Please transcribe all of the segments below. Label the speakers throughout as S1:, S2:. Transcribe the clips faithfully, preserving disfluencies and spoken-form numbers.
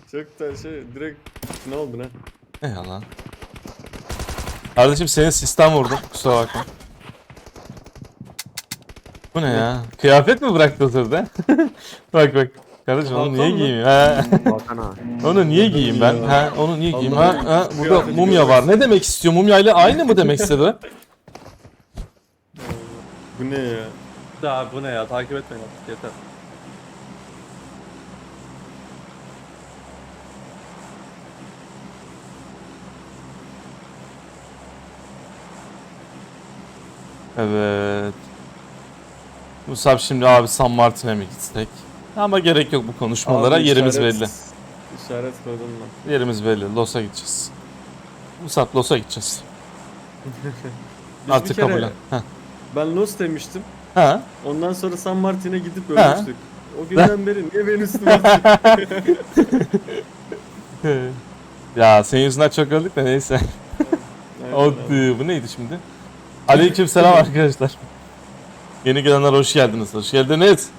S1: Çok da şey direkt ne oldu ne?
S2: Eyvallah. Kardeşim senin sistem vurdum. Kusura bakma. Bu ne ya? Kıyafet mi bıraktı otelde? Bak bak. Kardeşim onu niye
S1: Hakan mı?
S2: giyeyim? Ha?
S3: Hakan ağa.
S2: Onu niye
S1: Allah'ım
S2: giyeyim ben?
S1: ya.
S2: Ha? Onu niye giyeyim? Ha?
S1: Allah'ım,
S2: Ha?
S1: şu
S2: Burada
S1: kıyafeti
S2: mumya
S1: görmek
S2: var. Ne demek istiyor? Mumya ile aynı mı demek istedi?
S1: Bu ne ya?
S4: Ya bu ne ya? Takip etmeyin artık yeter.
S2: Evet. Musab şimdi abi San Martin'e mi gitsek? Ama gerek yok bu konuşmalara.
S1: Abi
S2: Yerimiz
S1: işaret-
S2: belli.
S1: İşaret koydum ben.
S2: Yerimiz belli. Los'a gideceğiz. Musab Los'a gideceğiz.
S1: Biz bir
S2: Artık
S1: kere-
S2: kabul et. Heh.
S1: Ben Los demiştim.
S2: Ha?
S1: Ondan sonra San Martin'e gidip
S2: Ha.
S1: ölmüştük. O günden beri niye beni üstüme atıyorsun?
S2: Ya senin yüzünden çok öldük de neyse.
S1: Aynen
S2: O
S1: abi.
S2: bu neydi şimdi? Aleykümselam arkadaşlar. Yeni gelenler hoş geldiniz. Hoş geldiniz.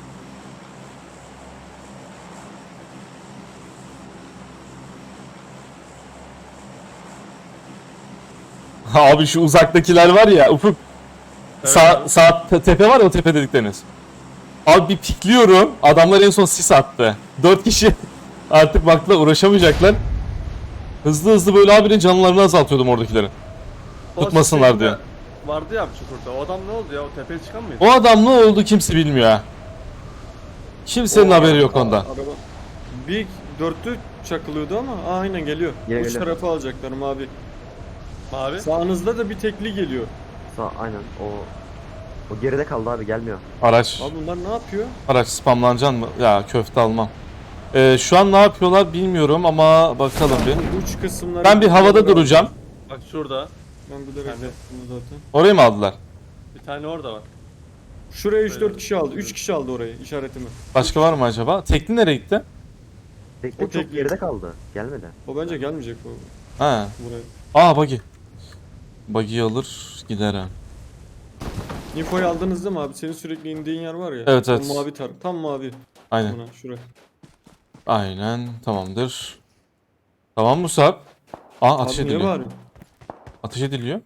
S2: Abi şu uzaktakiler var ya Ufuk. Sağ,
S4: Evet.
S2: sağ te- tepe var ya o tepe dedikleriniz. Abi bir pikliyorum. Adamlar en son sis attı. Dört kişi artık baktılar uğraşamayacaklar. Hızlı hızlı böyle abinin canlarını azaltıyordum oradakilerin.
S4: O
S2: Tutmasınlar
S4: şey
S2: diye.
S4: de Vardı ya bir çukurda. O adam ne oldu ya? O tepeye çıkan mıydı?
S2: O adam ne oldu kimse bilmiyor ha. Kimsenin
S1: O
S2: haberi yok
S1: a-
S2: ondan.
S1: Araba. Bir dörtlü çakılıyordu ama aa, aynen geliyor.
S3: Gel,
S1: Uç
S3: gel.
S1: tarafı alacaklarım abi.
S4: Mavi.
S1: Sağınızda da bir tekli geliyor.
S3: Sağ aynen o o geride kaldı abi gelmiyor.
S2: Araç.
S1: Abi bunlar ne yapıyor?
S2: Araç spamlanacaksın mı? Ya köfte almam. Ee, şu an ne yapıyorlar bilmiyorum ama bakalım bir.
S1: Bu uç kısımları...
S2: Ben bir havada duracağım.
S4: Bak şurada.
S1: Ben bilerek
S4: Ben de-
S1: yaptım zaten.
S2: Orayı mı aldılar?
S4: Bir tane orada var.
S1: Şuraya üç
S4: Böyle.
S1: dört kişi aldı. üç kişi aldı orayı işaretimi.
S2: Başka var mı acaba? Tekli nereye gitti?
S3: Tekne
S1: O
S3: çok
S1: tekli.
S3: geride kaldı. Gelmedi.
S1: O bence gelmeyecek bu
S2: Ha.
S1: buraya.
S2: Aa buggy. Buggy'yi alır gider ha.
S1: Infoyu aldınız değil mi abi? Senin sürekli indiğin yer var ya.
S2: Evet,
S1: o
S2: evet.
S1: Mavi tar. Tam mavi.
S2: Aynen.
S1: Buna, şuraya.
S2: Aynen tamamdır. Tamam Musab. Aa ateş
S1: Abi niye
S2: ediliyor.
S1: bağırıyorsun?
S2: Ateş ediliyor.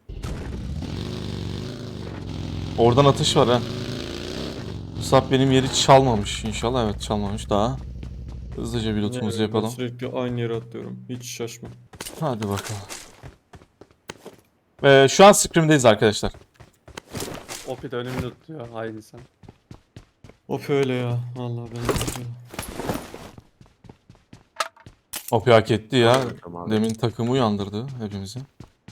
S2: Oradan atış var ha. Musab benim yeri çalmamış inşallah. Evet çalmamış daha. Hızlıca bir lootumuzu
S1: Ne,
S2: yapalım.
S1: Ben sürekli aynı yere atlıyorum. Hiç şaşma.
S2: Hadi bakalım. Ee, şu an scrim'deyiz arkadaşlar.
S4: Opi de önümü tutuyor. Haydi sen.
S1: Of öyle ya. Vallahi ben de-
S2: O hak etti ya.
S3: Tamam abi.
S2: Demin takımı uyandırdı hepimizi.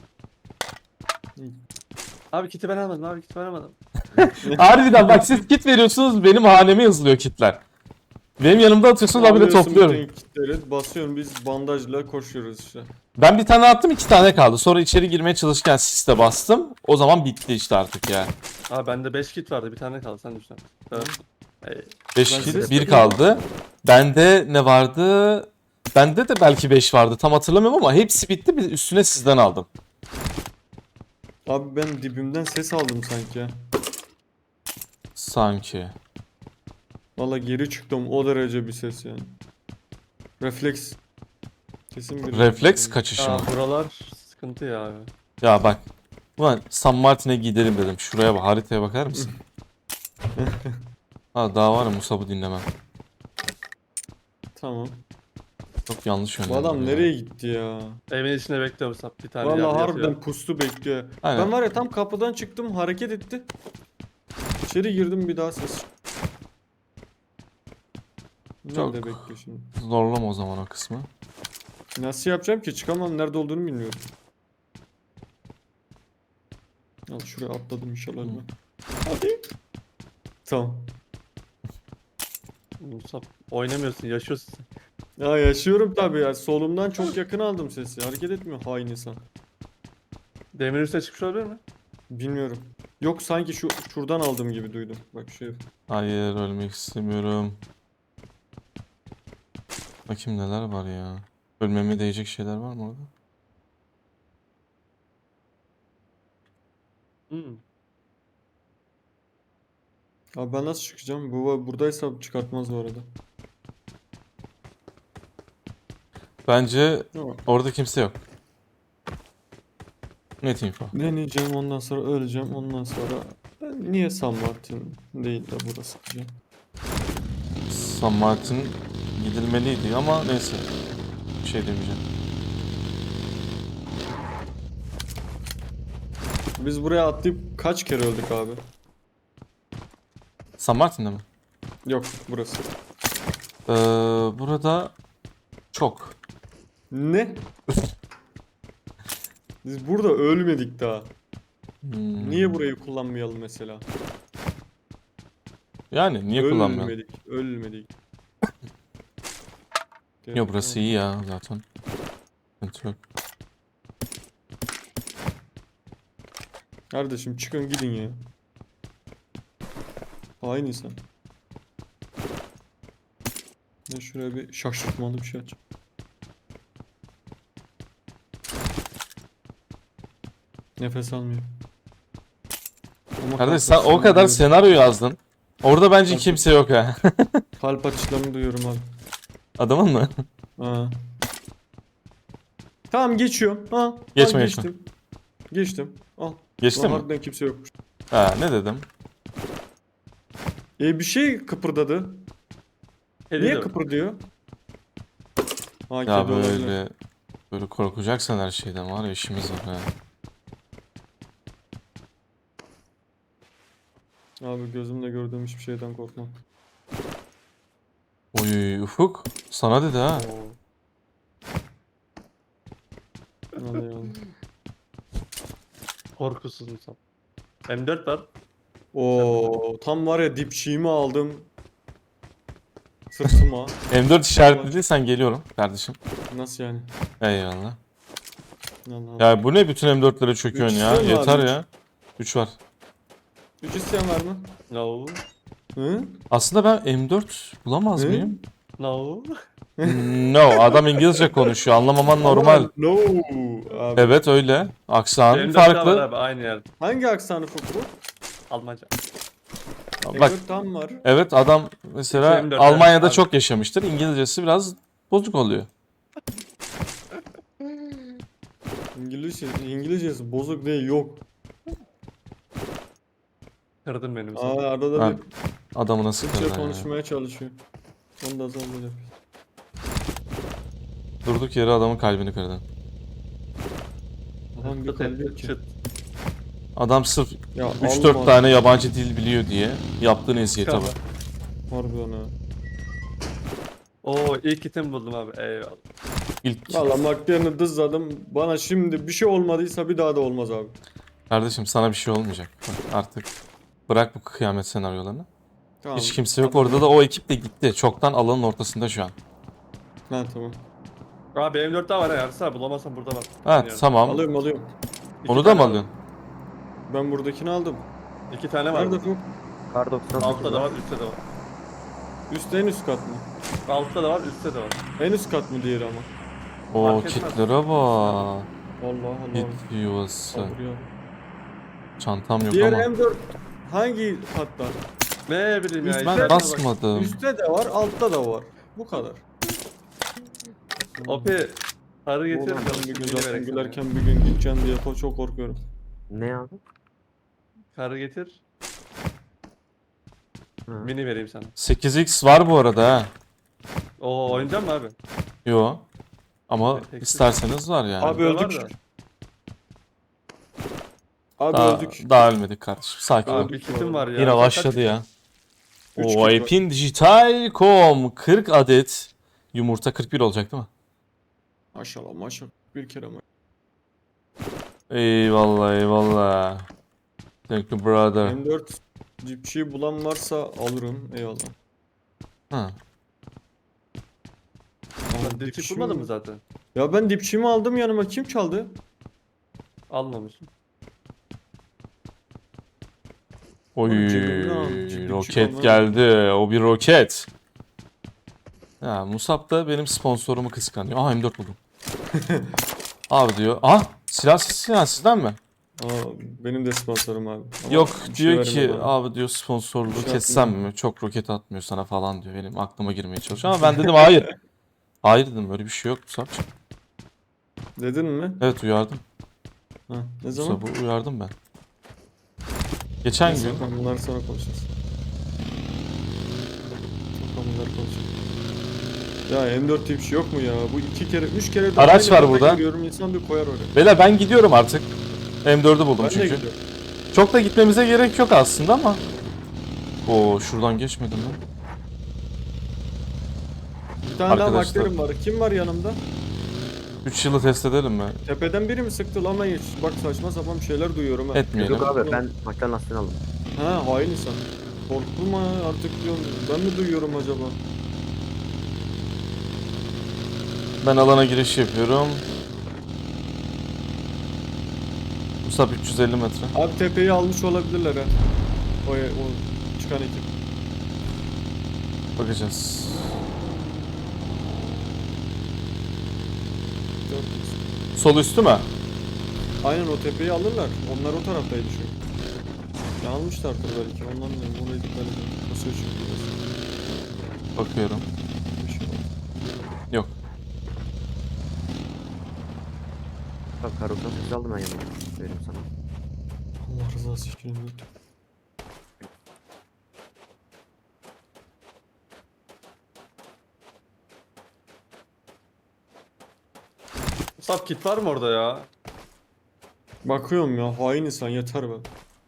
S4: Abi kiti ben almadım. Abi kiti ben almadım.
S2: Harbiden bak siz kit veriyorsunuz benim haneme yazılıyor kitler. Benim yanımda atıyorsunuz abi de
S1: Alıyorsun
S2: topluyorum.
S1: bütün kitleri, basıyorum biz bandajla koşuyoruz işte.
S2: Ben bir tane attım iki tane kaldı. Sonra içeri girmeye çalışırken siste bastım. O zaman bitti işte artık ya.
S4: Abi bende beş kit vardı. Bir tane kaldı. Sen düşün. Evet. Hey.
S2: beş
S1: Ben
S2: kit
S1: size
S2: bir kaldı. Bende ne vardı? Bende de belki beş vardı. Tam hatırlamıyorum ama hepsi bitti. Bir üstüne sizden aldım.
S1: Abi ben dibimden ses aldım sanki ya.
S2: Sanki.
S1: Valla geri çıktım o derece bir ses yani. Refleks. Kesin bir
S2: Refleks kaçışı mı?
S4: Aa, buralar sıkıntı ya abi.
S2: Ya bak. Ulan San Martin'e gidelim dedim. Şuraya bak. Haritaya bakar mısın? Ha daha var ya Musab'ı dinlemem.
S1: Tamam.
S2: Çok yanlış
S1: Bu
S2: yönlendim.
S1: adam
S2: ya.
S1: nereye gitti ya?
S4: Evin içinde bekliyorum sap. Bir tane
S1: Valla
S4: yerde
S1: harbiden
S4: yatıyor.
S1: pustu bekliyor.
S2: Aynen.
S1: Ben var ya tam kapıdan çıktım hareket etti. İçeri girdim bir daha ses.
S2: Çok-
S1: Nerede bekliyor şimdi?
S2: Zorlama o zaman o kısmı.
S1: Nasıl yapacağım ki? Çıkamam. Nerede olduğunu bilmiyorum. Al şuraya atladım inşallah ben. Hadi. Tamam.
S4: Musab oynamıyorsun. Yaşıyorsun sen.
S1: Ya yaşıyorum tabii ya. Solumdan çok yakın aldım sesi. Hareket etmiyor hain insan.
S4: Demir üstüne çıkmış olabilir mi?
S1: Bilmiyorum. Yok sanki şu şuradan aldım gibi duydum. Bak şey.
S2: Hayır ölmek istemiyorum. Bakayım neler var ya. Ölmeme değecek şeyler var mı orada?
S4: Hmm.
S1: Abi ben nasıl çıkacağım? Bu buradaysa çıkartmaz bu arada.
S2: Bence
S1: Tamam.
S2: orada kimse yok. Net info.
S1: Deneyeceğim, ondan sonra öleceğim, ondan sonra ben niye San Martin değil de burası diyeceğim.
S2: San Martin gidilmeliydi ama neyse. Bir şey demeyeceğim.
S1: Biz buraya atlayıp kaç kere öldük abi?
S2: San Martin'de mi?
S1: Yok, burası.
S2: Ee, burada çok.
S1: Ne? Biz burada ölmedik daha.
S2: Hmm.
S1: Niye burayı kullanmayalım mesela?
S2: Yani niye kullanmıyorum?
S1: Ölmedik, ölmedik.
S2: Yo burası iyi ya zaten. Sıkıntı yok.
S1: Kardeşim çıkın gidin ya. Hain insan. Ben şuraya bir şaşırtmalı bir şey aç. Nefes almıyor. Ama
S2: Kardeş
S1: kalp
S2: sen o
S1: atışlarını
S2: kadar
S1: duyuyorum.
S2: senaryo yazdın. Orada bence
S1: Kalp-
S2: kimse yok ha.
S1: Kalp atışlarını duyuyorum abi.
S2: Adamın mı?
S1: Ha. Tamam geçiyorum. Ha,
S2: Geçme,
S1: al,
S2: geçme.
S1: geçtim. Geçtim. Al.
S2: Geçti
S1: Lan
S2: mi?
S1: harbiden kimse yokmuş.
S2: Ha ne dedim?
S1: E bir şey kıpırdadı.
S4: Kedi
S1: Niye
S4: de-
S1: kıpırdıyor? Ha,
S2: Ya
S1: kedi olabilir.
S2: böyle böyle korkacaksan her şeyden var ya işimiz var ha.
S1: Abi gözümle gördüğüm hiçbir şeyden korkmam.
S2: Oy Ufuk sana dedi ha.
S1: Oo. Vallahi vallahi.
S4: Korkusuz insan. M dört var.
S1: Oo, tam var ya dipçiğimi aldım. Sırtıma.
S2: M dört işaretlediysen geliyorum kardeşim.
S1: Nasıl yani?
S2: Eyvallah.
S1: Allah Allah.
S2: Ya bu ne bütün M dörtlere çöküyorsun
S1: Üç
S2: ya?
S1: istiyor mu
S2: Yeter
S1: abi, üç?
S2: ya. üç var.
S1: Üç isteyen var mı?
S4: No.
S1: Hı?
S2: Aslında ben M dört bulamaz
S1: Hı?
S2: mıyım?
S4: No.
S2: No, adam İngilizce konuşuyor. Anlamaman normal.
S1: Ama no. Abi.
S2: Evet öyle. Aksanı
S4: M dört daha var
S2: farklı.
S4: abi aynı yer.
S1: Hangi aksanı bu?
S4: Almanca.
S2: Bak
S1: M dört tam var.
S2: evet adam mesela
S4: M dört
S2: Almanya'da
S4: abi.
S2: çok yaşamıştır. İngilizcesi biraz bozuk oluyor.
S1: İngilizce, İngilizcesi bozuk değil, yok.
S4: Kırdın benim
S1: Aa,
S4: sana.
S1: arada
S2: Ha,
S1: bir
S2: adamı nasıl
S1: Türkçe
S2: kırdın ya?
S1: konuşmaya çalışıyor. Onu da zorlayacak.
S2: Durduk yere adamın kalbini kırdın.
S1: Adam bir
S4: Çıt
S1: kalbi
S4: etti,
S1: yok ki.
S4: çıt.
S2: Adam sırf
S1: Ya
S2: üç dört
S1: Allah
S2: tane yabancı dil biliyor diye yaptığın eziyete bak.
S1: harbiden ha.
S4: Oo ilk item buldum abi. Eyvallah.
S2: İlk
S1: Valla McLaren'ı dızladım. Bana şimdi bir şey olmadıysa bir daha da olmaz abi.
S2: kardeşim sana bir şey olmayacak. Bak artık bırak bu kıyamet senaryolarını.
S1: Tamam.
S2: Hiç kimse yok orada da o ekip de gitti. Çoktan alanın ortasında şu an.
S1: Ha tamam.
S4: Abi M dört daha var ya. Yarısı bulamazsam burada var.
S2: Evet
S4: Yani.
S2: tamam.
S1: Alıyorum alıyorum.
S4: İki
S2: Onu da
S4: tane
S2: mı
S4: var.
S2: alıyorsun?
S1: Ben buradakini aldım.
S4: İki tane var.
S1: Nerede bu?
S3: Kar doksan sekiz
S4: Altta da var, üstte de var.
S1: Üst en üst kat mı?
S4: Altta da var, üstte de var.
S1: En üst kat mı diğeri ama?
S2: Oo
S4: Fark etmez.
S2: kitlere bak.
S1: Allah Allah.
S2: Kit yuvası.
S1: Sabır ya.
S2: Çantam yok
S1: Diğer
S2: ama.
S1: M dört hangi katta?
S4: Ne bileyim ya.
S1: Üst-
S4: işte
S2: Ben
S4: bak.
S2: basmadım.
S1: Üstte de var, altta da var. Bu kadar.
S4: Opi. Sarı getir.
S1: Oğlum ben bir gün
S4: Mini
S1: zaten
S4: verek sana.
S1: gülerken bir gün gideceğim diye ko- çok korkuyorum.
S3: Ne abi?
S4: Karı getir.
S3: Ha.
S4: Mini vereyim sana.
S2: sekiz x var bu arada ha.
S4: Oo oynayacak mı abi?
S2: Yo. Ama
S4: Peki.
S2: isterseniz var yani.
S1: Abi
S4: Burada
S1: öldük.
S4: var da.
S1: Abi
S2: Daha,
S1: öldük.
S2: daha ölmedik kardeşim. Sakin ol.
S4: Abi bir kitim var ya.
S2: Yine
S4: Kaç-
S2: başladı ya.
S1: Üç
S2: O
S1: kit var.
S2: Alpin Dijital nokta com kırk adet yumurta kırk bir olacak değil mi?
S1: Maşallah maşallah. Bir kere ama.
S2: Eyvallah eyvallah. Thank you brother.
S1: M dört dipçiyi bulan varsa alırım. Eyvallah.
S2: Ha.
S4: Sen dipçik bulmadın mı zaten?
S1: Ya ben dipçiğimi aldım yanıma. Kim çaldı?
S4: Almamışsın.
S2: Oy
S1: Oğlum cebimden aldım, cebimden
S2: roket
S1: çıkardım.
S2: geldi. O bir roket. Ya Musab da benim sponsorumu kıskanıyor. Aha M dört buldum. Abi diyor. Ah silah sesi ya sizden mi?
S1: Aa, benim de sponsorum abi. Ama
S2: Yok
S1: bir şey
S2: diyor ki
S1: vermiyor bana.
S2: abi diyor sponsorluğu
S1: Bir şey
S2: kessem
S1: atmıyor.
S2: mi? Çok roket atmıyor sana falan diyor. Benim aklıma girmeye çalışıyor ama ben dedim hayır. Hayır dedim, öyle bir şey yok Musab'cığım.
S1: Dedin mi?
S2: Evet uyardım.
S1: Ha, ne zaman?
S2: Musab'ı uyardım ben. Geçen
S1: Neyse,
S2: gün.
S1: bakalım, bunları sonra konuşacağız. Bakalım bunları konuşalım. Ya M dört diye bir şey yok mu ya? Bu iki kere, üç kere de
S2: Araç
S1: aynı
S2: var
S1: yerde
S2: burada.
S1: görüyorum, insan bir koyar oraya.
S2: Beyler ben gidiyorum artık. M dördü buldum
S1: Ben de
S2: çünkü.
S1: gidiyorum.
S2: Çok da gitmemize gerek yok aslında ama. Oo şuradan geçmedim lan.
S1: Bir tane daha
S2: Arkadaşlar.
S1: bakterim var. Kim var yanımda?
S2: üç yılı test edelim mi?
S1: Tepeden biri mi sıktı lan, ben hiç bak saçma sapan bir şeyler duyuyorum ha.
S2: Etmeyelim.
S3: Yok abi ben McLaren lastiğini aldım.
S1: Ha, hain insan. Korktum ha artık diyorum. Ben mi duyuyorum acaba?
S2: Ben alana giriş yapıyorum. Musab üç yüz elli metre.
S1: Abi tepeyi almış olabilirler ha. O, o çıkan ekip.
S2: Bakacağız.
S1: Yok.
S2: Sol üstü mü?
S1: Aynen, o tepeyi alırlar. Onlar o taraftaydı çünkü. Ya almışlardır belki. Ondan diyorum. Oraya dikkat edin. Nasıl çünkü?
S2: Bakıyorum.
S1: Bir şey oldu.
S2: Yok.
S3: Bak karoktan sesi aldım ben yanıma. Vereyim sana.
S1: Allah rızası için lütfen.
S4: Musab kit var mı orada ya?
S1: Bakıyorum ya, hain insan, yeter be.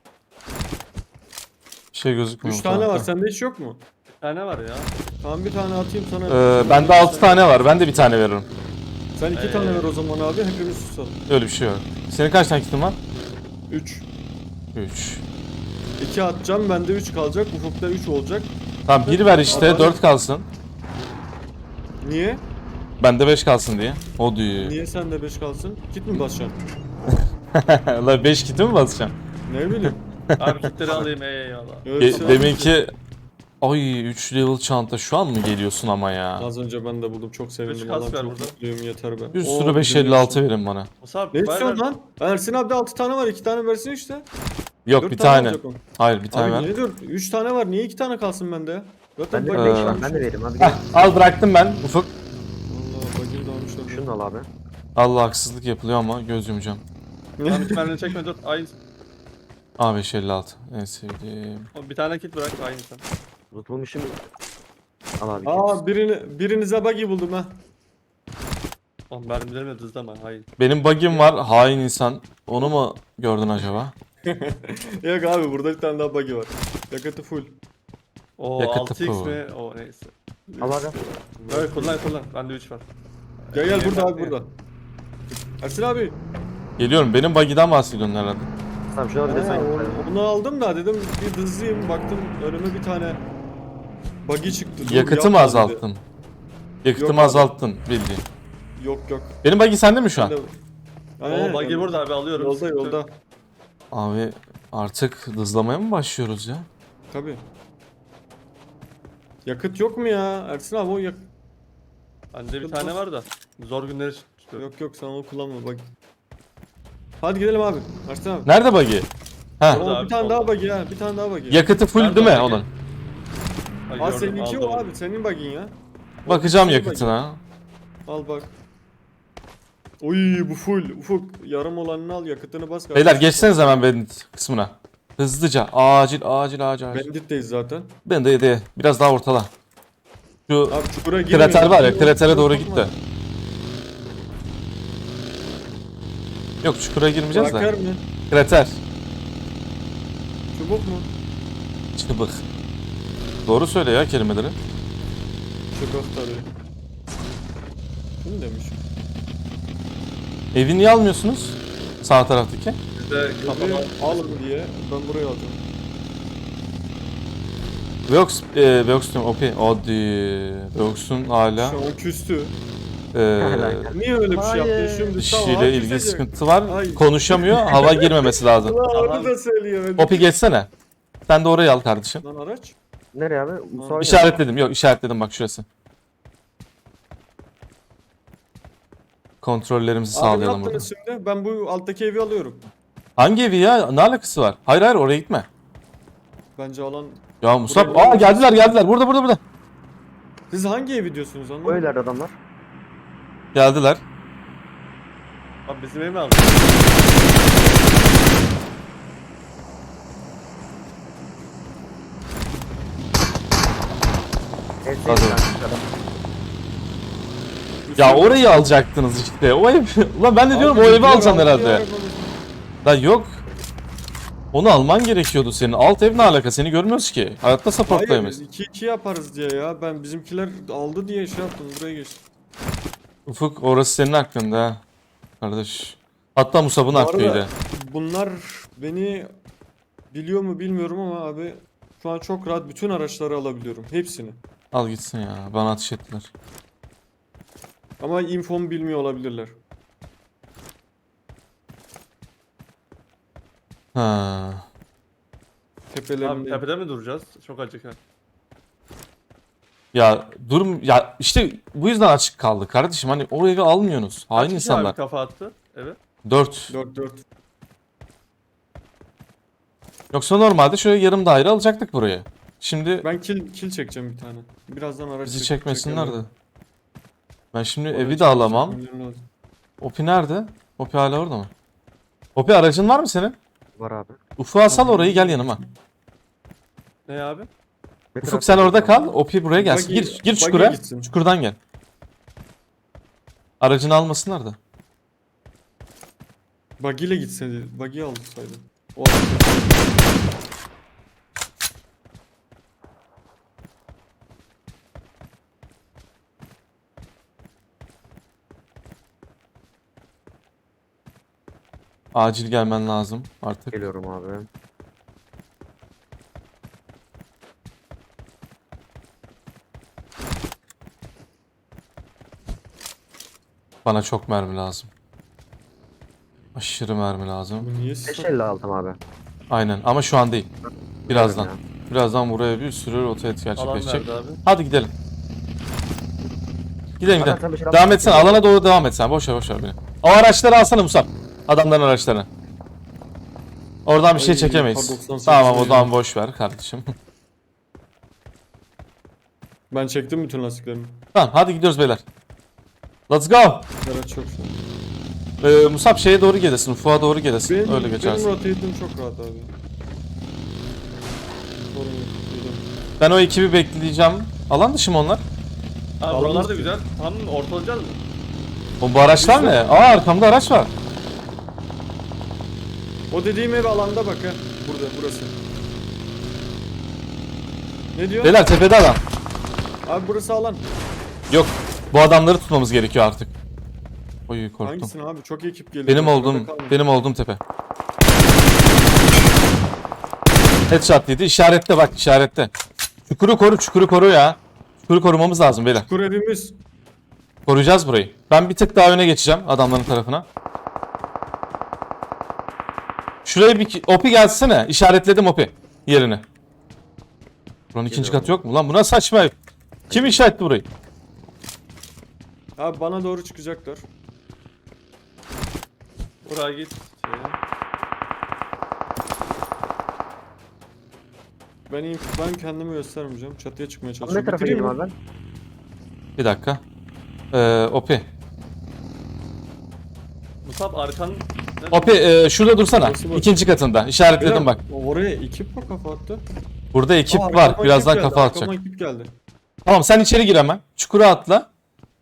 S2: Bir şey gözükmüyor.
S1: Üç
S2: bu
S1: tane var,
S2: tarafta.
S1: sende hiç yok mu?
S4: Bir tane var ya.
S1: Tamam, bir tane atayım sana.
S2: Ee, bende altı tane var. Ben de bir tane veririm.
S1: Sen iki
S4: Ee.
S1: tane ver o zaman abi, hepimiz susalım.
S2: Öyle bir şey yok. Senin kaç tane kitin var?
S1: Üç.
S2: üç.
S1: İki atacağım, bende üç kalacak, ufukta üç olacak.
S2: Tamam bir ver işte,
S1: Adam-
S2: dört kalsın.
S1: Niye?
S2: Bende beş kalsın diye. O diyor.
S1: Niye sende beş kalsın? Kit mi basacaksın?
S2: La beş kiti mi basacağım?
S1: Ne bileyim.
S4: Abi kitleri alayım eyvallah.
S1: Öyle bir
S2: Ge-
S1: şey
S2: demin
S1: yok.
S2: ki ay üç level çanta şu an mı geliyorsun ama ya?
S1: Az önce ben de buldum, çok sevindim.
S4: Üç kas
S1: Allah'ım
S4: ver
S1: çok
S4: burada.
S1: mutluyum, yeter be.
S2: Bir
S1: Oo,
S2: sürü beş
S1: bizim
S2: elli altı
S1: yaşım.
S2: verin bana.
S4: Musab
S1: Ne
S4: ver
S1: istiyorsun
S4: ver.
S1: lan? Ersin abi de altı tane var, iki tane versin işte.
S2: Yok
S1: Dört
S2: bir tane.
S1: olacak o.
S2: Hayır bir tane
S1: Abi
S2: ver.
S1: niye dört? üç tane var, niye iki tane kalsın bende ya? Zaten
S3: Ben de
S1: bagajı
S3: beş var.
S1: almışlar.
S3: Ben de vereyim abi.
S2: Heh,
S3: Gel.
S2: al bıraktım ben Ufuk.
S1: Valla bagajı da almışlar.
S3: Şunu da al abi.
S2: Allah haksızlık yapılıyor ama göz yumacağım.
S4: Tamam iki tane çekme dur. Aynı.
S2: A beş elli altı en sevdiğim.
S4: Bir tane kit bırak aynı sen.
S3: Unutulmuşum. Al abi.
S1: Aa, birini, birinize buggy buldum ha.
S4: Oğlum mermilerimi hızlama hayır.
S2: Benim bug'im var, hain insan. Onu mu gördün acaba?
S1: Yok abi, burada bir tane daha buggy var. Yakıtı full.
S4: O
S2: Yakıtı
S4: altı x
S2: bu.
S4: mi? O neyse.
S3: Al abi.
S4: Evet kullan kullan. Bende üç var.
S1: Gel gel, burada abi,
S4: Yeter.
S1: burada. Ersin abi.
S2: Geliyorum, benim bug'iden bahsediyorsun herhalde.
S3: Tamam şuna bir de
S1: Ha,
S3: sen
S1: onu, onu aldım da dedim bir hızlıyım, baktım önüme bir tane buggy çıktı. Dur,
S2: Yakıtı mı
S1: yapma dedi.
S2: azalttın? Yakıtı
S1: Yok
S2: mı
S1: abi.
S2: azalttın bildiğin.
S1: Yok yok.
S2: Benim buggy sende mi şu an?
S1: Ben de-
S4: O buggy burada abi alıyorum.
S1: Yolda
S4: Sıkıntı
S1: yolda.
S4: yok.
S2: Abi artık hızlamaya mı başlıyoruz ya?
S1: Tabii. Yakıt yok mu ya? Ersin abi, o yak...
S4: Bende bir tane var da. Zor günleri çıkıyor.
S1: Yok yok, sen onu kullanma buggy. Hadi gidelim abi. Ersin abi.
S2: Nerede buggy? Ha,
S4: Orada
S1: O,
S4: abi,
S1: bir tane
S4: solda.
S1: daha buggy ha. Bir tane daha buggy.
S2: yakıtı full
S4: Nerede
S2: değil mi
S4: buggy?
S2: onun?
S4: Ay,
S1: Aa,
S4: gördüm,
S1: seninki
S4: aldım
S1: o
S4: onu.
S1: abi. Senin buggy'in ya.
S2: Bakacağım
S1: Senin
S2: yakıtına.
S1: buggy'in. Al bak. Oy, bu full. Ufuk yarım olanını al, yakıtını bas.
S2: Beyler
S1: kardeşim.
S2: geçseniz hemen Bandit kısmına. Hızlıca. Acil acil acil acil.
S1: Bandit'teyiz zaten.
S2: Ben de de biraz daha ortala. Şu
S1: Abi çukura girmeyin.
S2: krater var ya,
S1: Dur,
S2: kratere
S1: dur,
S2: doğru
S1: bakma.
S2: git de. Yok çukura girmeyeceğiz
S1: Bırakır
S2: de.
S1: mı?
S2: Krater.
S1: Çubuk mu?
S2: Çıbık. Doğru söyle ya kelimeleri.
S1: Çubuk tabii. Kim demiş?
S2: Evi niye almıyorsunuz? Sağ taraftaki.
S4: Bizde kafama.
S1: Buraya alın diye ben buraya alacağım.
S2: Veox, e, Veox diyorum O P. Hadi. Veox'un hala
S1: Şu an küstü.
S2: e,
S1: Niye öyle bir şey yaptın
S3: Hayır.
S1: şimdi?
S2: dişiyle ilgili sıkıntı var.
S1: Hayır.
S2: Konuşamıyor. Hava girmemesi lazım.
S1: Ulan
S4: Tamam.
S1: onu da söylüyor.
S2: O P geçsene. Sen de orayı al kardeşim.
S1: Lan araç.
S3: Nereye abi? Musa
S2: İşaretledim. Yok işaretledim bak şurası. Kontrollerimizi
S1: Abi ne
S2: sağlayalım burada.
S1: yaptınız şimdi? Ben bu alttaki evi alıyorum.
S2: Hangi evi ya? Ne alakası var? Hayır hayır oraya gitme.
S1: Bence alan...
S2: Ya Musab,
S1: Buraya-
S2: aa geldiler geldiler. Burada burada burada.
S1: Siz hangi evi diyorsunuz
S3: O
S1: anlamadım.
S3: evlerde adamlar.
S2: Geldiler.
S4: Abi bizim evi mi aldın?
S3: Evet,
S2: Hadi.
S3: evet, adam.
S2: Ya orayı alacaktınız işte. O ev. Ulan ben de diyorum
S1: Abi
S2: o evi
S1: bizimkiler
S2: alacaksın
S1: aldı ya
S2: herhalde.
S1: arabamızı.
S2: Da yok. Onu alman gerekiyordu senin. Alt ev ne alaka? Seni görmüyoruz ki. Hayatta
S1: Hayır
S2: supportlayamayız.
S1: iki iki yaparız diye ya. Ben bizimkiler aldı diye şey yaptım buraya geçtim.
S2: Ufuk orası senin hakkında ha. Kardeş. Hatta Musab'ın
S1: Bu arada
S2: hakkıydı.
S1: bunlar beni biliyor mu bilmiyorum ama abi şu an çok rahat bütün araçları alabiliyorum. Hepsini.
S2: Al gitsin ya. Bana ateş ettiler.
S1: Ama infomu bilmiyor olabilirler.
S2: Ha.
S4: Abi
S1: Tepelerinde.
S4: tepede mi duracağız? Çok acık ha.
S2: Ya durum ya işte bu yüzden açık kaldı kardeşim. Hani o evi almıyorsunuz. Hain
S4: Kaç kişi
S2: insanlar.
S4: abi kafa attı eve?
S2: dört.
S1: dört dört.
S2: Yoksa normalde şöyle yarım daire alacaktık burayı. Şimdi
S1: Ben kill kill çekeceğim bir tane. Birazdan araç
S2: bizi
S1: çek-
S2: çekmesinler de.
S1: çekerler.
S2: Ben şimdi
S1: Oraya
S2: evi de alamam.
S1: çekmem lazım.
S2: Opi nerede? Opi hala orada mı? Opi aracın var mı senin?
S3: Var abi.
S2: Ufuk'a sal orayı gel yanıma.
S4: Ne abi?
S3: Ne
S2: Ufuk
S3: tarafta
S2: sen orada
S3: duracağım?
S2: kal. Opi buraya gelsin.
S1: Buggy-
S2: Gir gir
S1: buggy
S2: çukura.
S1: gitsin.
S2: Çukurdan gel. Aracını almasınlar da.
S1: Buggy ile gitseydi. Buggy alsaydı. O araç-
S2: Acil gelmen lazım artık.
S3: Geliyorum abi.
S2: Bana çok mermi lazım. Aşırı mermi lazım.
S1: Bu niye
S3: beş
S1: sıfır?
S3: elli aldım abi.
S2: Aynen ama şu an değil. Birazdan.
S3: Biliyorum
S2: Birazdan buraya bir sürü rotate
S4: Alan
S2: gerçekleşecek.
S4: nerede abi?
S2: Hadi gidelim. Gidelim
S3: Hakan,
S2: gidelim.
S3: sen bir şey
S2: Devam
S3: yapma.
S2: etsene. Alana doğru devam et sen. Boş ver boş ver beni. O araçları alsana Musab. Adamların araçlarını. Oradan bir şey
S1: Ay,
S2: çekemeyiz.
S1: kar doksan sekiz
S2: Tamam o
S1: ya.
S2: zaman boş ver kardeşim.
S1: Ben çektim bütün lastiklerimi.
S2: Tamam hadi gidiyoruz beyler. Let's go.
S1: Araç çok şu an.
S2: Ee, Musab şeye doğru gelesin. Ufuğa doğru gelesin.
S1: Benim,
S2: Öyle
S1: benim
S2: geçersin.
S1: rotate'im çok rahat abi. Sorun yok. Geliyorum.
S2: Ben o ekibi bekleyeceğim. Alan dışı mı onlar?
S4: Abi
S1: Alan
S4: buralar da
S1: mısın?
S4: güzel. Tam ortalayacağız mı?
S2: O bu araçlar ne? Aa arkamda araç var.
S1: O dediğim ev alanda bak ha. Burada burası. Ne diyor?
S2: Beyler tepede adam.
S1: Abi burası alan.
S2: Yok. Bu adamları tutmamız gerekiyor artık. Oy korktum.
S1: Hangisini abi? Çok ekip geliyor.
S2: Benim
S1: Bak,
S2: olduğum
S1: orada kalma.
S2: benim olduğum tepe. Headshot yedi. İşarette bak işarette. Çukuru koru, çukuru koru ya. Çukuru korumamız lazım beyler.
S1: Kur evimiz.
S2: Koruyacağız burayı. Ben bir tık daha öne geçeceğim adamların tarafına. Şuraya bir opi gelsene. İşaretledim opi yerini. Buranın ikinci
S3: Geliyorum.
S2: katı yok mu lan? Bu nasıl saçma ev? Kim işaretli burayı?
S1: Abi bana doğru çıkacaklar.
S4: Buraya git. Şeye.
S1: Ben iyi, ben kendimi göstermeyeceğim. Çatıya çıkmaya
S3: Abi ne
S1: çalışıyorum.
S3: tarafa
S1: Bitireyim
S3: gideyim
S1: mi?
S3: abi ben?
S2: Bir dakika. Ee, opi.
S4: Musab arkan... Ne?
S2: Opi e, şurada dursana.
S1: Burası bu.
S2: İkinci katında. İşaretledim bak.
S1: Oraya ekip mi kafa attı?
S2: Burada ekip
S1: Aa,
S2: var.
S1: arkama
S2: Birazdan
S1: ekip geldi,
S2: kafa atacak.
S1: arkama ekip geldi.
S2: Tamam sen içeri gir hemen. Çukura atla.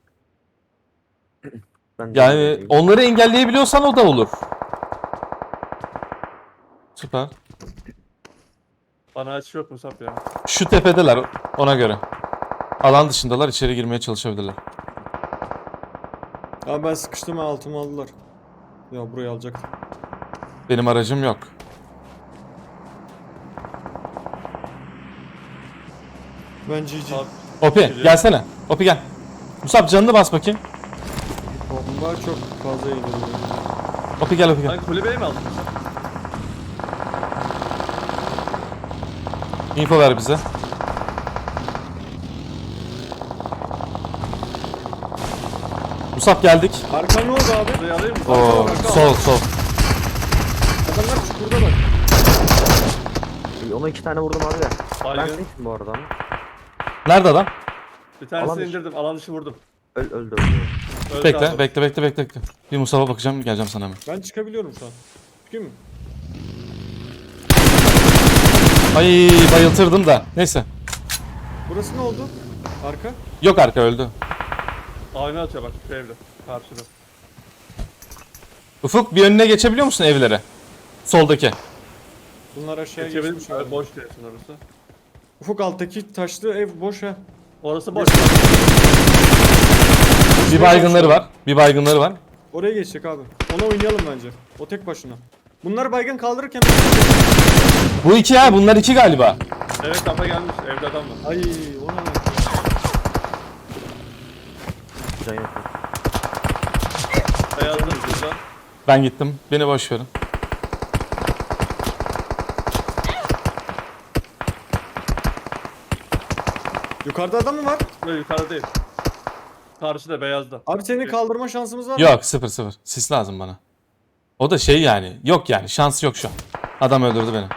S3: Ben de
S2: Yani
S3: gideyim.
S2: onları engelleyebiliyorsan o da olur. Süper.
S4: Bana aç yok Musab ya.
S2: Şu tepedeler ona göre. Alan dışındalar içeri girmeye çalışabilirler.
S1: Abi ben sıkıştım ha, altımı aldılar. Ya burayı alacaktım.
S2: Benim aracım yok.
S1: Ben G G.
S4: Abi,
S2: Opi gelsene. Opi gel. Musab canını bas bakayım.
S1: Bomba çok fazla yedi.
S2: Opi gel Opi gel.
S4: sen kulübeyi mi aldın Musab?
S2: Info ver bize. Musab geldik.
S1: Arka ne oldu abi?
S4: Burayı alayım mı?
S2: Oo,
S1: arka,
S2: sol sol.
S1: Adamlar çukurda bak.
S3: İyi, ona iki tane vurdum abi de. Ben
S4: Baygın.
S3: sensin bu arada.
S2: Nerede adam?
S4: Bir tanesini
S3: Alan dışı.
S4: indirdim. Alan dışı vurdum.
S3: Öl, öldü öldü.
S4: Öldü
S2: Bekle,
S4: abi.
S2: bekle, bekle, bekle, bekle. Bir Musab'a bakacağım, geleceğim sana hemen.
S1: Ben çıkabiliyorum şu an. Çıkayım mı?
S2: Ay bayıltırdım da. Neyse.
S1: Burası ne oldu? Arka.
S2: Yok arka öldü.
S4: Ayna atıyor bak şu evde. Karşıda.
S2: Ufuk bir önüne geçebiliyor musun evlere? Soldaki.
S1: Bunlar aşağıya
S4: Geçebilir
S1: geçmiş.
S4: misin?
S1: abi.
S4: Boş diyorsun orası.
S1: Ufuk alttaki taşlı ev boş ha.
S4: Orası boş.
S2: Bir baygınları var. Bir baygınları var.
S1: Oraya geçecek abi. Ona oynayalım bence. O tek başına. Bunlar baygın kaldırırken...
S2: Bu iki ha, bunlar iki galiba.
S4: Evet kafa gelmiş. Evde adam var.
S1: Ay ona ne?
S3: Can yok.
S4: Beyazlar burada.
S2: Ben gittim. Beni boş verin.
S1: Yukarıda adam mı var?
S4: Böyle yukarıda değil. Karşıda beyazda.
S1: Abi seni kaldırma şansımız var mı?
S2: Yok sıfır sıfır. Sis lazım bana. O da şey yani. Yok yani. Şans yok şu an. Adam öldürdü beni.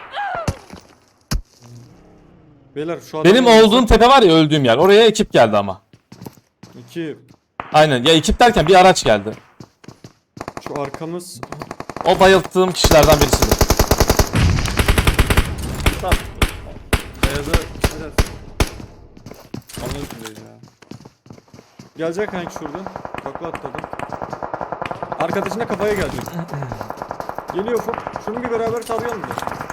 S1: Beyler şu adam...
S2: Benim olduğum tepe var ya, öldüğüm yer. Oraya ekip geldi ama.
S1: İki.
S2: Aynen. Ya ekip derken bir araç geldi.
S1: Şu arkamız...
S2: O bayılttığım kişilerden birisidir.
S4: Tamam. Beyazı biraz. Anladın değil ya.
S1: Gelecek hangi şurada? Takla atladı. Arkadaşına kafaya gelecek. Geliyor Ufuk. Şunu bir beraber tarayalım da.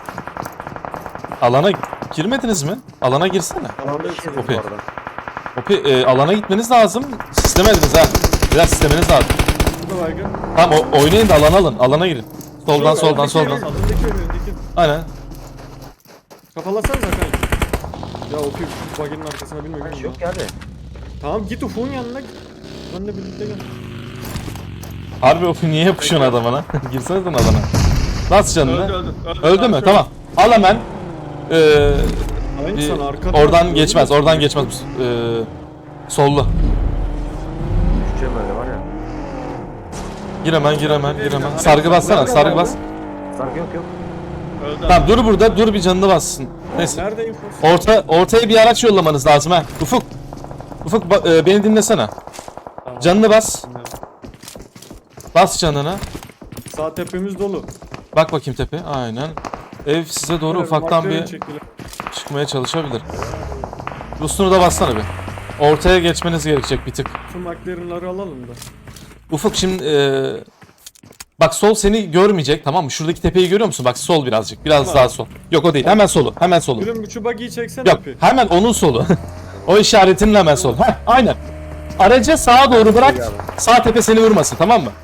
S2: Alana girmediniz mi? Alana girsene.
S3: Alanda işimiz bu
S2: Okey.
S3: arada.
S2: Opi, e, alana gitmeniz lazım. Sistemediniz ha. Biraz sistemeniz lazım.
S1: Burada baygın.
S2: Tamam o, oynayın da alana alın. Alana girin. Soldan
S1: Şurada,
S2: soldan
S1: öndeki
S2: soldan.
S1: evin, Öndeki ev, öndeki.
S2: Aynen.
S1: Kafalasanıza kanka. Ya Ufuk şu baginin arkasına bilmiyorum.
S3: Hiç
S1: ya.
S3: yok ki abi.
S1: Tamam git Ufuk'un yanına git. Benle birlikte gel.
S2: Harbi Opi niye yapışıyorsun adamına? Girsene sen alana. Bas canını.
S4: Öldü öldü.
S2: Öldü mü?
S4: Şöyle.
S2: Tamam. Al hemen. Ee,
S1: Aynı
S2: bir-
S1: sana arkada.
S2: oradan geçmez. Oradan geçmez. Ee, sollu.
S3: Düşeceğim öyle var ya.
S2: Gir hemen, gir hemen, gir hemen. Sargı bassana, sargı bas.
S3: Sargı yok yok.
S4: Öldü.
S2: Tamam dur burada, dur bir canını bassın. Neyse.
S1: Nerede infosu?
S2: Orta, ortaya bir araç yollamanız lazım ha. Ufuk. Ufuk ba- e, beni dinlesene.
S4: Tamam.
S2: Canını bas. Bas canını.
S1: Sağ tepemiz dolu.
S2: Bak bakayım tepe. Aynen. Ev size doğru
S1: Evet,
S2: ufaktan
S1: markaya
S2: bir
S1: çektiler.
S2: çıkmaya çalışabilir. Boostunu da bassana bir. Ortaya geçmeniz gerekecek bir tık.
S1: Şu McLaren'ları alalım da.
S2: Ufuk şimdi e, bak sol seni görmeyecek, tamam mı? Şuradaki tepeyi görüyor musun? Bak sol birazcık. Biraz
S1: Tamam.
S2: daha sol. Yok o değil. Hemen solu. Hemen solu.
S1: Gülüm bir şu buggy'yi çeksene
S2: Yok
S1: Öpi.
S2: hemen onun solu. O işaretinin hemen solu. Heh, aynen. Aracı sağa doğru bırak. Sağ tepe seni vurmasın, tamam mı?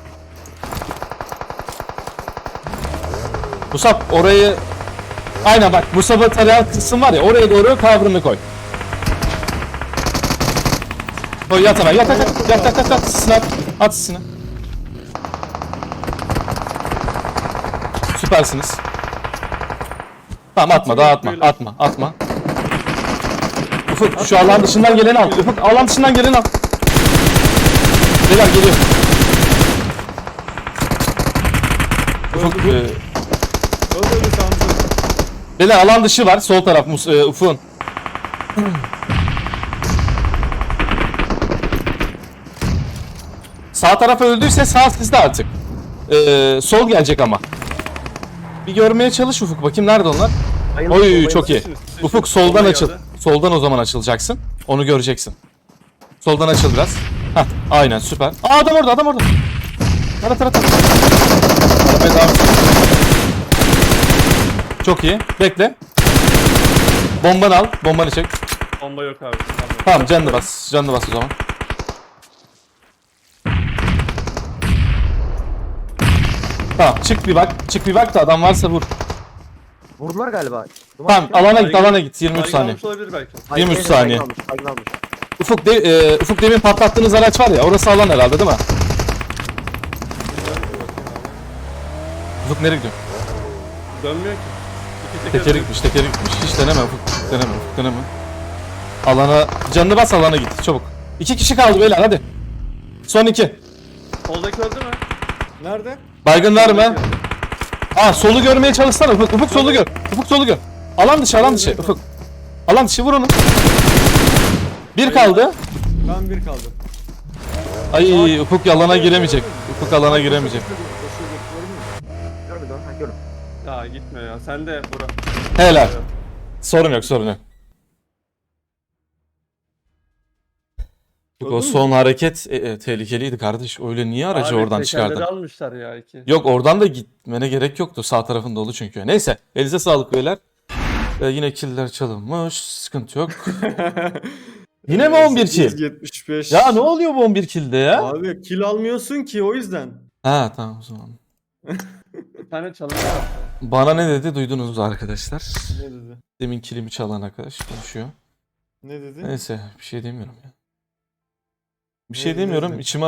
S2: Musab orayı... Aynen bak Musab'ı tarayan kısım var ya, oraya doğru kavrını koy. Koy yat hemen, yat yat yat yat yat yat yat sisini at, at sisini. Süpersiniz. Tamam atma, daha atma, atma, atma. Ufuk şu alan dışından geleni al, Ufuk alan dışından geleni al. Beyler geliyor. Ufuk, e,
S1: Öldü öldü tamam.
S2: beyler alan dışı var, sol taraf Mus e, Ufuk'un. Sağ taraf öldüyse sağ sizde artık. Ee, sol gelecek ama. Bir görmeye çalış Ufuk, bakayım nerede onlar?
S3: Bayıldım,
S2: Oy
S3: bayıldım.
S2: çok iyi. Ufuk soldan açıl. Soldan o zaman açılacaksın. Onu göreceksin. Soldan açıl biraz. Hah aynen süper. Aa adam orada, adam orada. Tara tara tara. Arabaya devam et. Çok iyi. Bekle. Bombanı al. Bombanı çek.
S4: Bomba yok abi.
S2: Tamam canını bas. Canını bas o zaman. Tamam çık bir bak. Çık bir bak da adam varsa vur.
S3: Vurdular galiba. Duman
S2: Tamam
S3: çıkıyor.
S2: alana git, alana git. yirmi üç
S4: Baygın
S2: saniye.
S4: almış olabilir belki.
S3: Ay,
S2: yirmi üç
S3: aynen,
S2: saniye.
S3: baygın almış, baygın almış.
S2: Ufuk, de, e, Ufuk demin patlattığınız araç var ya, orası alan herhalde değil mi? Ufuk nereye gidiyor?
S4: Dönmüyor ki. İki teker
S2: Tekeri gitmiş, tekeri gitmiş. Hiç deneme Ufuk. Deneme Ufuk, deneme. Alana, canını bas alana git çabuk. İki kişi kaldı beyler hadi. Son iki.
S4: Soldaki öldü mü?
S1: Nerede?
S2: Baygın var mı? Aa solu görmeye çalışsana Ufuk. Ufuk solu gör. Ufuk solu gör. Alan dışı, alan dışı Ufuk. Alan dışı vur onu. Bir kaldı.
S1: Ben bir kaldı.
S2: Ay Ufuk alana giremeyecek. Ufuk alana giremeyecek.
S1: Koşuyor, gördün mü?
S3: Görmedim ha gördüm.
S4: Ya gitme ya. Sen de bura.
S2: Helal. Sorun yok sorun yok. Ufuk, o
S1: Gördün mü?
S2: son hareket e, e, tehlikeliydi kardeş. Öyle niye aracı
S4: Abi,
S2: oradan
S4: tekerleri
S2: çıkardın?
S4: almışlar ya iki.
S2: Yok oradan da gitmene gerek yoktu. Sağ tarafın dolu çünkü. Neyse elinize sağlık beyler. Ee, yine killer çalınmış. Sıkıntı yok. Yine mi on bir kill?
S1: sekiz yetmiş beş.
S2: Ya ne oluyor bu on bir kill'de ya?
S1: Abi kill almıyorsun ki o yüzden.
S2: Ha tamam o zaman.
S4: Bir tane çalınma var.
S2: Bana ne dedi duydunuz arkadaşlar.
S1: Ne dedi?
S2: Demin kilimi çalan arkadaş konuşuyor.
S1: Ne dedi?
S2: Neyse bir şey demiyorum ya. Bir
S1: Ne
S2: şey
S1: dedi,
S2: demiyorum.
S1: ne dedi?
S2: İçime